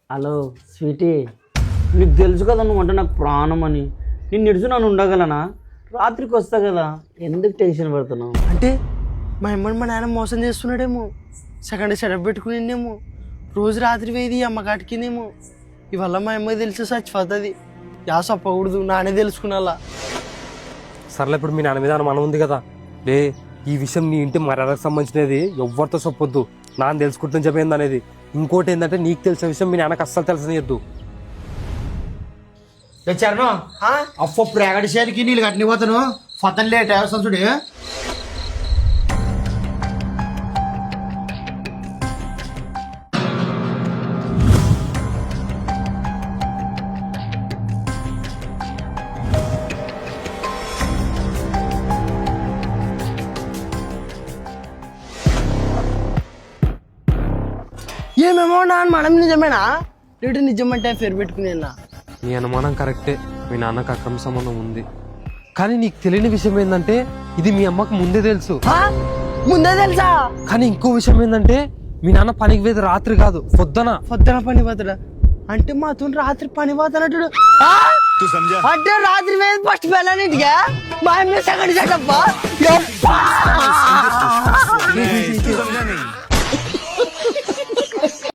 Hello Sweety, నీకు తెలుసు కదా నువ్వు అంటే నాకు ప్రాణం అని. నిన్ను నిడుచు నన్ను ఉండగలనా? రాత్రికి వస్తా కదా, ఎందుకు టెన్షన్ పడుతున్నావు? అంటే మా అమ్మని మా నాన్న మోసం చేస్తున్నాడేమో, సెకండ్ సెటప్ పెట్టుకునేమో, రోజు రాత్రి వేది అమ్మకాటికినేమో. ఇవల్ల మా అమ్మకి తెలిసి చచ్చిపోతుంది. యా చెప్పకూడదు, నానే తెలుసుకున్నా. సర్లే, ఇప్పుడు మీ నాన్న మీద అనుమానం ఉంది కదా, లే ఈ విషయం నీ ఇంటి మర్యాదకు సంబంధించినది, ఎవరితో చెప్పొద్దు. నాన్న తెలుసుకుంటుంది చెప్పేది అనేది. ఇంకోటి ఏంటంటే, నీకు తెలిసిన విషయం మీ నాన్నకు అస్సలు తెలియదు. తెచ్చారు అప్పు ప్రేగడి చేరికి నీళ్ళు కట్టిపోతాను ఫతన్ లేట్ అవసరం చూడు. ఏమేమో నాన్న మనం నిజమేనా లేడు నిజమంటే పేరు పెట్టుకునేనా? నీ అనుమానం కరెక్టే, మీ నాన్నకు అక్రమ సంబంధం ఉంది. కానీ నీకు తెలియని విషయం ఏంటంటే, ఇది మీ అమ్మకు ముందే తెలుసు. ముందే తెలుసా? కానీ ఇంకో విషయం ఏంటంటే, మీ నాన్న పనికి వేది రాత్రి కాదు, పొద్దున పని పోతాడా? అంటే మాతో రాత్రి పని పోతానట్టు. అంటే రాత్రి వేది ఫస్ట్ వెళ్ళానింటిగా మా అమ్మ సెకండ్ సెటప్.